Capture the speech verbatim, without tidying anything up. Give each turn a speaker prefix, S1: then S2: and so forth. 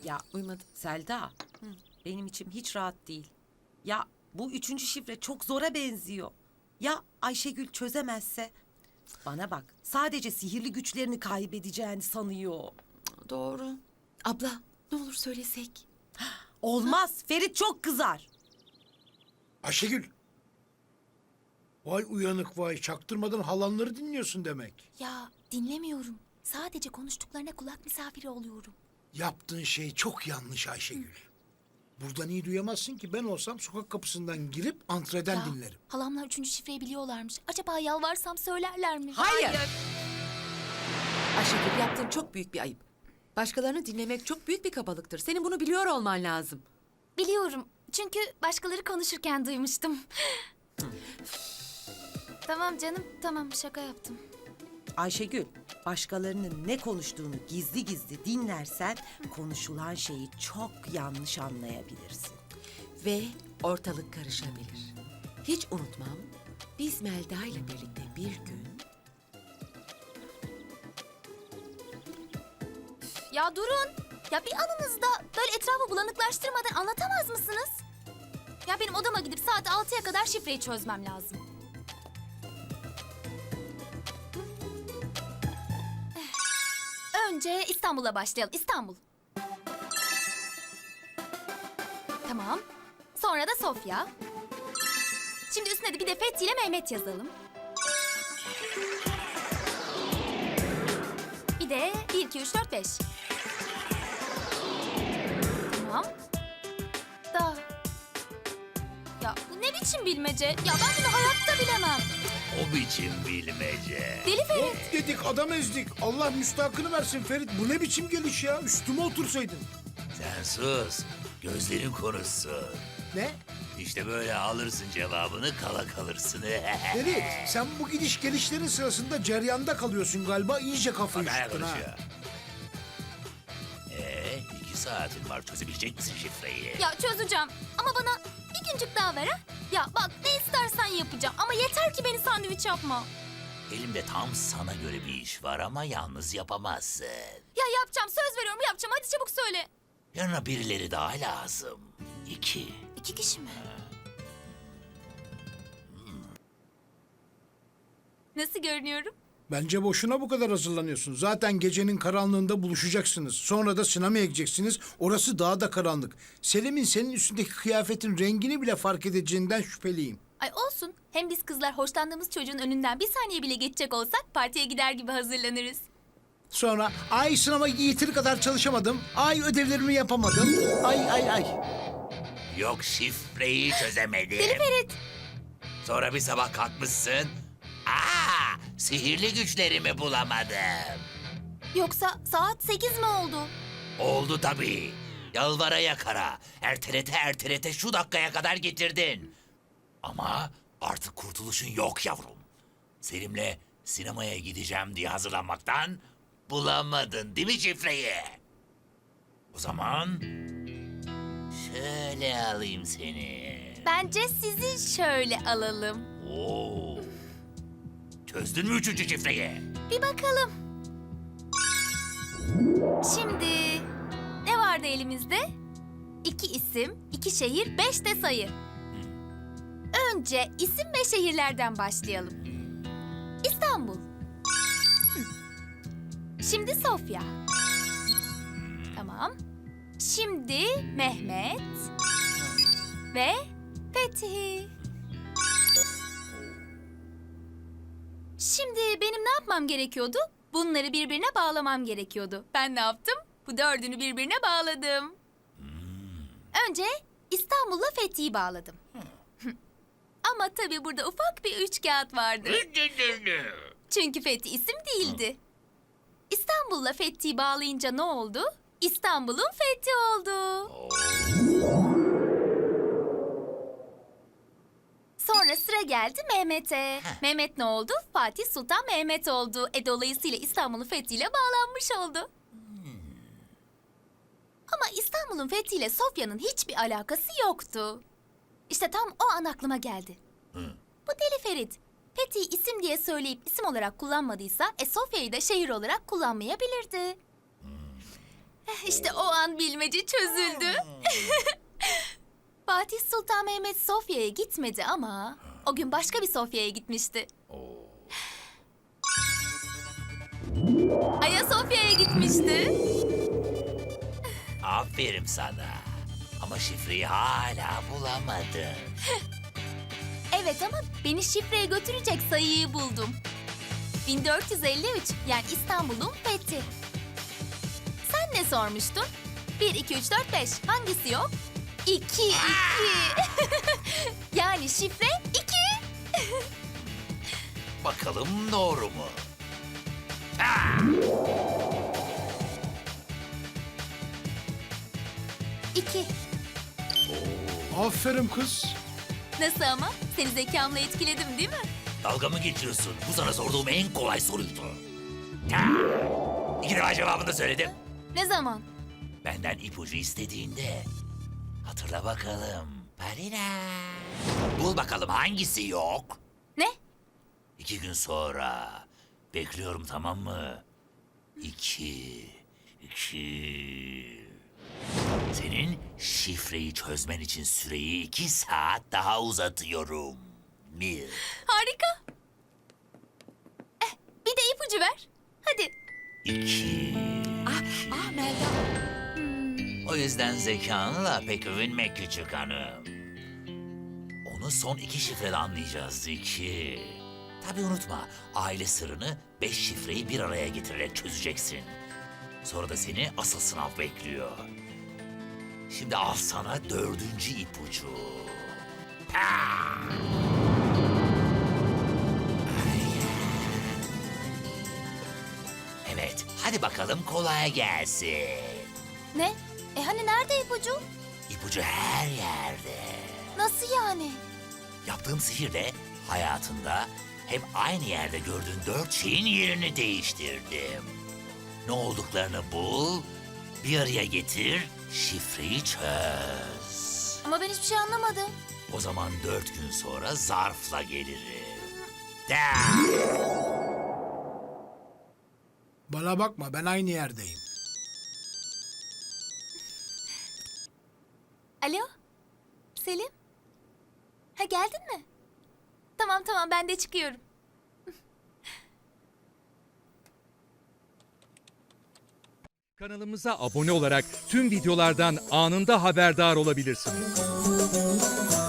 S1: Ya
S2: Uymadı.
S1: Selda, benim içim hiç rahat değil. Ya bu üçüncü şifre çok zora benziyor. Ya Ayşegül çözemezse? Bana bak, sadece sihirli güçlerini kaybedeceğini sanıyor.
S2: Doğru. Abla ne olur söylesek.
S1: Olmaz, Ferit çok kızar.
S3: Ayşegül. Vay uyanık vay. Çaktırmadan halanları dinliyorsun demek.
S4: Ya dinlemiyorum. Sadece konuştuklarına kulak misafiri oluyorum.
S3: Yaptığın şey çok yanlış Ayşegül. Buradan iyi duyamazsın ki, ben olsam sokak kapısından girip antreden
S4: Ya,
S3: dinlerim.
S4: halamlar üçüncü şifreyi biliyorlarmış. Acaba yalvarsam söylerler mi?
S2: Hayır. Ayşegül, yaptığın çok büyük bir ayıp. Başkalarını dinlemek çok büyük bir kabalıktır. Senin bunu biliyor olman lazım.
S4: Biliyorum. Çünkü başkaları konuşurken duymuştum. Tamam canım, tamam şaka yaptım.
S1: Ayşegül, başkalarının ne konuştuğunu gizli gizli dinlersen konuşulan şeyi çok yanlış anlayabilirsin.
S2: Ve ortalık karışabilir. Hiç unutmam, biz Melda ile birlikte bir gün...
S4: Ya durun. Ya bir anınızda böyle etrafı bulanıklaştırmadan anlatamaz mısınız? Ya benim odama gidip saat altıya kadar şifreyi çözmem lazım. Önce İstanbul'a başlayalım. İstanbul. Tamam. Sonra da Sofya. Şimdi üstüne de bir de Fethi ile Mehmet yazalım. Bir de bir, iki, üç, dört, beş. Tamam. Da. Ya bu ne biçim bilmece? Ya ben bunu hayatta bilemem.
S5: O biçim bilmece.
S4: Deli Ferit.
S3: Of dedik, adam ezdik. Allah müstahakını versin Ferit. Bu ne biçim geliş ya? Üstüme otursaydın.
S5: Sen sus. Gözlerin konuşsun.
S3: Ne?
S5: İşte böyle alırsın cevabını, kala kalırsın.
S3: Ferit, sen bu gidiş gelişlerin sırasında ceryanda kalıyorsun galiba. İyice kafayı
S5: Bak hala
S3: üşüttün ha.
S5: konuşuyor. Ee, iki saatin var. Çözebilecek misin şifreyi?
S4: Ya çözeceğim ama bana bir güncük daha ver ha. Ya bak ne istersen yapacağım ama yeter ki beni sandviç yapma.
S5: Elimde tam sana göre bir iş var ama yalnız yapamazsın.
S4: Ya yapacağım, söz veriyorum yapacağım, hadi çabuk söyle.
S5: Yanına birileri daha lazım. İki.
S4: İki kişi mi? Nasıl görünüyorum?
S3: Bence boşuna bu kadar hazırlanıyorsun. Zaten gecenin karanlığında buluşacaksınız. Sonra da sinemaya gideceksiniz. Orası daha da karanlık. Selim'in senin üstündeki kıyafetin rengini bile fark edeceğinden şüpheliyim.
S4: Ay olsun. Hem biz kızlar hoşlandığımız çocuğun önünden bir saniye bile geçecek olsak partiye gider gibi hazırlanırız.
S3: Sonra ay sınava yeteri kadar çalışamadım. Ay ödevlerimi yapamadım. Ay ay ay.
S5: Yok şifreyi çözemedim.
S4: Deli Ferit.
S5: Sonra bir sabah kalkmışsın. Aa, sihirli güçlerimi bulamadım.
S4: Yoksa saat sekiz mi oldu?
S5: Oldu tabii. Yalvara yakara. Ertelete ertelete şu dakikaya kadar getirdin. Ama artık kurtuluşun yok yavrum. Selim'le sinemaya gideceğim diye hazırlanmaktan bulamadın değil mi şifreyi? O zaman şöyle alayım seni.
S4: Bence sizi şöyle alalım.
S5: Oo. Çözdün mü üçüncü şifreyi?
S4: Bir bakalım. Şimdi ne vardı elimizde? İki isim, iki şehir, beş de sayı. Önce isim ve şehirlerden başlayalım. İstanbul. Hı. Şimdi Sofya. Tamam. Şimdi Mehmet ve Fethi. Şimdi benim ne yapmam gerekiyordu? Bunları birbirine bağlamam gerekiyordu. Ben ne yaptım? Bu dördünü birbirine bağladım. Önce İstanbul'la Fethi'yi bağladım. Ama tabii burada ufak bir üç kağıt vardı. Çünkü Fethi isim değildi. İstanbul'la Fethi'yi bağlayınca ne oldu? İstanbul'un Fethi oldu. Sonra sıra geldi Mehmet'e. Mehmet ne oldu? Fatih Sultan Mehmet oldu. E dolayısıyla İstanbul'un fethiyle bağlanmış oldu. Ama İstanbul'un fethiyle Sofya'nın hiçbir alakası yoktu. İşte tam o an aklıma geldi. Bu Deli Ferit, Fethi'yi isim diye söyleyip isim olarak kullanmadıysa, e Sofya'yı da şehir olarak kullanmayabilirdi. İşte o an bilmece çözüldü. Fatih Sultan Mehmet Sofya'ya gitmedi ama o gün başka bir Sofya'ya gitmişti. Ayasofya'ya gitmişti.
S5: Aferin sana. Ama şifreyi hala bulamadın.
S4: Evet ama beni şifreye götürecek sayıyı buldum. bin dört yüz elli üç yani İstanbul'un fethi. Sen ne sormuştun? bir, iki, üç, dört, beş. Hangisi yok? iki, iki. Yani şifre iki.
S5: Bakalım doğru mu?
S4: iki.
S3: Aferin kız.
S4: Nasıl ama? Seni zekamla etkiledim değil mi?
S5: Dalga mı geçiyorsun? Bu sana sorduğum en kolay soruydu. Ha! İki defa cevabını da söyledim.
S4: Ne zaman?
S5: Benden ipucu istediğinde. Hatırla bakalım. Parina. Bul bakalım hangisi yok?
S4: Ne?
S5: İki gün sonra. Bekliyorum, tamam mı? İki. iki. Senin şifreyi çözmen için süreyi iki saat daha uzatıyorum. Bir.
S4: Harika. Eh, bir de ipucu ver. Hadi.
S5: İki.
S2: Ah, ah Melda.
S5: O yüzden zekanla pek övünme küçük hanım. Onu son iki şifrede anlayacağız iki. Tabii unutma, aile sırrını beş şifreyi bir araya getirerek çözeceksin. Sonra da seni asıl sınav bekliyor. Şimdi al sana dördüncü ipucu. Ha! Evet, hadi bakalım kolay gelsin.
S4: Ne? E hani nerede ipucu?
S5: İpucu her yerde.
S4: Nasıl yani?
S5: Yaptığım sihirle hayatında hep aynı yerde gördüğün dört şeyin yerini değiştirdim. Ne olduklarını bul, bir araya getir, şifreyi çöz.
S4: Ama ben hiçbir şey anlamadım.
S5: O zaman dört gün sonra zarfla gelirim. Da!
S3: Bana bakma, ben aynı yerdeyim.
S4: Alo? Selim? Ha geldin mi? Tamam tamam ben de çıkıyorum.
S6: Kanalımıza abone olarak tüm videolardan anında haberdar olabilirsiniz.